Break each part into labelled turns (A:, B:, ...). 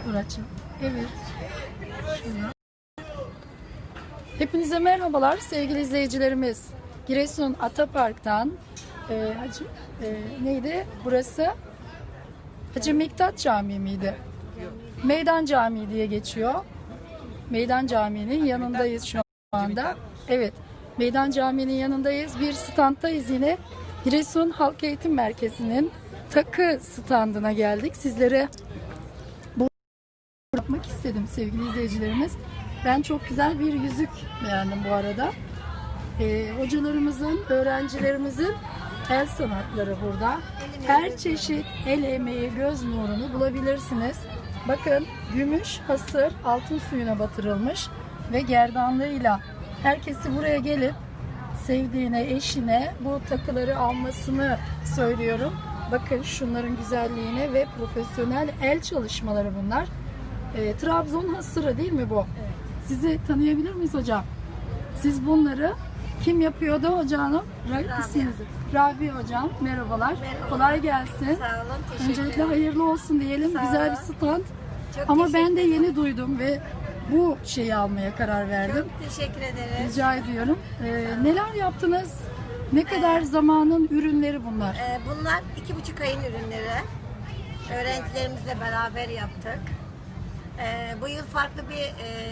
A: Muratçığım. Evet. Şuna. Hepinize merhabalar sevgili izleyicilerimiz. Giresun Atapark'tan neydi burası? Hacı Miktat Camii miydi? Meydan Camii diye geçiyor. Meydan Camii'nin yanındayız şu anda. Evet. Meydan Camii'nin yanındayız. Bir standtayız yine. Giresun Halk Eğitim Merkezi'nin takı standına geldik. Sizlere bu yapmak istedim sevgili izleyicilerimiz. Ben çok güzel bir yüzük beğendim bu arada. Hocalarımızın, öğrencilerimizin el sanatları burada. Her çeşit el emeği, göz nurunu bulabilirsiniz. Bakın gümüş, hasır, altın suyuna batırılmış ve gerdanlığıyla herkesi buraya gelip sevdiğine, eşine bu takıları almasını söylüyorum. Bakın şunların güzelliğine ve profesyonel el çalışmaları bunlar. Trabzon hasırı değil mi bu? Evet. Sizi tanıyabilir miyiz hocam? Siz bunları kim yapıyordu hocam? Rabia hocam. Merhabalar. Merhaba. Kolay gelsin.
B: Sağ olun. Teşekkür ederim.
A: Öncelikle hayırlı olsun diyelim.
B: Sağ
A: Güzel
B: olun.
A: bir stand.
B: Çok
A: ama ben de yeni duydum ve bu şeyi almaya karar verdim.
B: Çok teşekkür ederiz.
A: Rica ediyorum. Neler yaptınız? Ne kadar zamanın ürünleri bunlar?
B: Bunlar 2,5 ayın ürünleri. Öğrencilerimizle beraber yaptık. Bu yıl farklı bir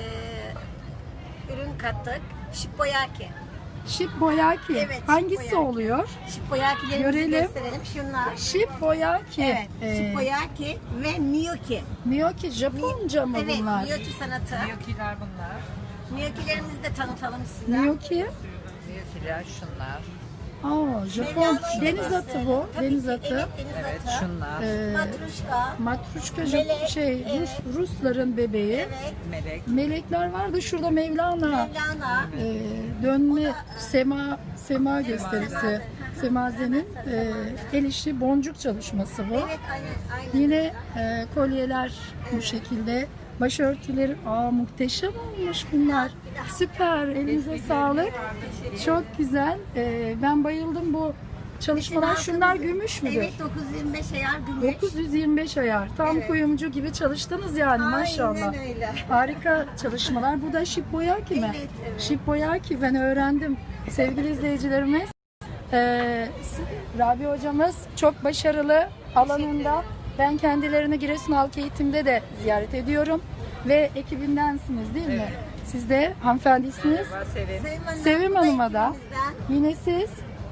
B: ürün kattık. Shippoyaki.
A: Shippoyaki.
B: Evet,
A: hangisi
B: shippoyaki
A: oluyor?
B: Shippoyaki'lerimizi
A: Görelim.
B: gösterelim. Şunlar.
A: Shippoyaki.
B: Evet. Shippoyaki ve Miyoki.
A: Miyoki Japonca mı
B: Evet,
A: bunlar?
B: Miyoki sanatı.
C: Miyokiler bunlar.
B: Miyoki'lerimizi de tanıtalım size.
A: Miyoki.
C: Miyokiler şunlar.
A: Aa, Japon
B: Mevlana
A: deniz
B: şubesi.
A: atı bu.
B: Tabii
A: deniz
B: ki,
A: atı.
B: Evet, deniz
C: Evet
B: atı.
C: şunlar.
B: Matruşka.
A: Matruşka
B: Melek, evet.
A: Rusların bebeği.
B: Evet.
C: Melek.
A: Melekler vardı şurada Mevlana.
B: Mevlana.
A: Dönme sema gösterisi. Semazenin el işi boncuk çalışması bu.
B: Evet, aynen.
A: Yine kolyeler bu şekilde. Başörtüleri muhteşem olmuş bunlar. Süper. Elinize sağlık. Çok güzel. Ben bayıldım bu çalışmalar. Şunlar gümüş müdür?
B: Evet, 925 ayar gümüş.
A: 925 ayar. Tam
B: Evet.
A: kuyumcu gibi çalıştınız yani maşallah.
B: Aynen öyle.
A: Harika çalışmalar. Bu da Shippoyaki mi?
B: Evet, evet.
A: Shippoyaki ben öğrendim. Sevgili izleyicilerimiz. Rabia hocamız çok başarılı alanında. Ben kendilerini Giresun Halk Eğitim'de de ziyaret ediyorum. Ve ekibindensiniz değil mi? Siz de hanımefendisiniz. Sevim Hanım'a da. Yine siz.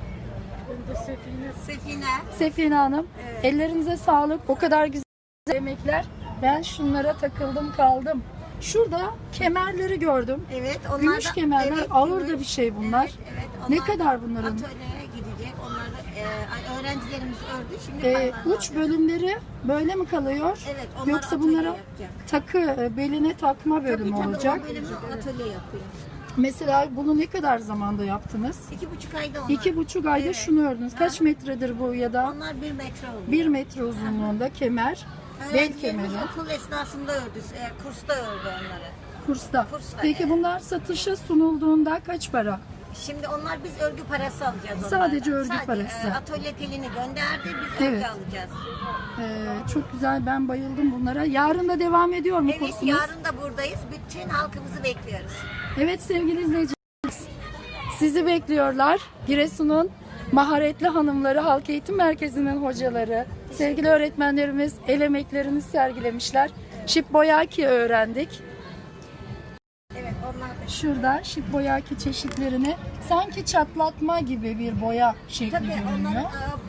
B: Sefine.
A: Sefine Hanım.
B: Evet.
A: Ellerinize sağlık. O kadar güzel yemekler. Ben şunlara takıldım kaldım. Şurada kemerleri gördüm.
B: Evet, onlar
A: Gümüş
B: da,
A: kemerler.
B: evet,
A: ağır
B: gümüş.
A: da bir şey bunlar.
B: Evet, evet,
A: Ne
B: onlar
A: kadar
B: da
A: bunların?
B: Atölyeye gidecek. Onlar da öğrencilerimiz ördü. Şimdi paralarını
A: Uç
B: alıyor.
A: bölümleri böyle mi kalıyor?
B: Evet, onlar
A: Yoksa
B: atölye
A: bunlara
B: yapacak.
A: takı, beline takma bölümü
B: Tabii,
A: olacak.
B: o bölümü atölye yapıyor.
A: Mesela bunu ne kadar zamanda yaptınız?
B: 2,5 ayda onlar.
A: 2,5 ayda
B: Evet.
A: şunu ördünüz. Kaç metredir bu ya da?
B: Onlar 1 metre oluyor.
A: 1 metre uzunluğunda kemer, bel kemeri,
B: Öğrencilerimiz okul esnasında ördü. Kursta ördü onları.
A: kursta.
B: Kursta,
A: Peki
B: evet.
A: bunlar satışa sunulduğunda kaç para?
B: Şimdi onlar biz örgü parası alacağız onlardan.
A: Sadece örgü parası.
B: Atölye telini gönderdi, biz
A: Evet.
B: örgü alacağız.
A: Çok güzel, ben bayıldım bunlara. Yarın da devam ediyor mu
B: Evet,
A: kursunuz?
B: yarın da buradayız. Bütün halkımızı bekliyoruz.
A: Evet sevgili izleyicilerimiz, sizi bekliyorlar. Giresun'un maharetli hanımları, Halk Eğitim Merkezi'nin hocaları, sevgili öğretmenlerimiz el emeklerini sergilemişler. Shippoyaki öğrendik.
B: Evet, onlar da.
A: Şurada Shippoyaki çeşitlerini sanki çatlatma gibi bir boya şekli
B: Tabii onlar
A: görünüyor.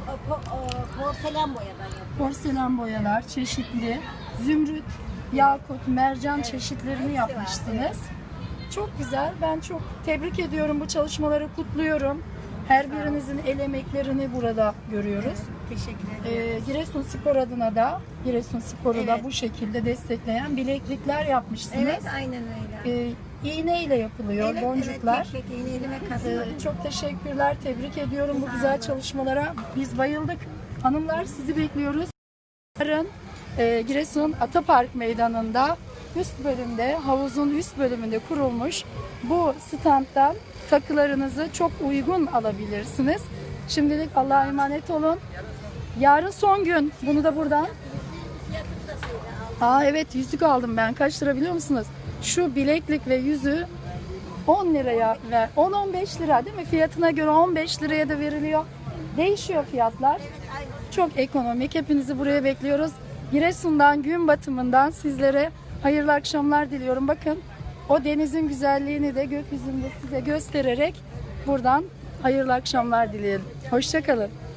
B: porselen boyadan yapıyor.
A: Porselen boyalar çeşitli, zümrüt, yakut, mercan çeşitlerini
B: hepsi
A: yapmışsınız.
B: var,
A: Çok güzel. Ben çok tebrik ediyorum, bu çalışmaları kutluyorum. Her birinizin el emeklerini burada görüyoruz.
B: Teşekkür ederim.
A: Giresun Spor adına da, Giresun Spor'u da
B: Evet.
A: bu şekilde destekleyen bileklikler yapmışsınız.
B: Evet, aynen öyle.
A: İğne ile yapılıyor,
B: Evet,
A: boncuklar.
B: Evet, tek tek iğneyle ve kasla.
A: Çok teşekkürler, tebrik ediyorum bu
B: Sağ
A: güzel
B: olun.
A: çalışmalara. Biz bayıldık. Hanımlar sizi bekliyoruz. Yarın Giresun Atapark Meydanı'nda üst bölümde, havuzun üst bölümünde kurulmuş bu standtan takılarınızı çok uygun alabilirsiniz. Şimdilik Allah'a emanet olun. Yarın son gün. Bunu da buradan Aa evet, yüzük aldım ben. Kaç lira biliyor musunuz? Şu bileklik ve yüzüğü 10 liraya ve 10-15 lira değil mi? Fiyatına göre 15 liraya da veriliyor. Değişiyor fiyatlar. Çok ekonomik. Hepinizi buraya bekliyoruz. Giresun'dan, gün batımından sizlere hayırlı akşamlar diliyorum. Bakın, o denizin güzelliğini de gökyüzünde size göstererek buradan hayırlı akşamlar dileyelim. Hoşça kalın.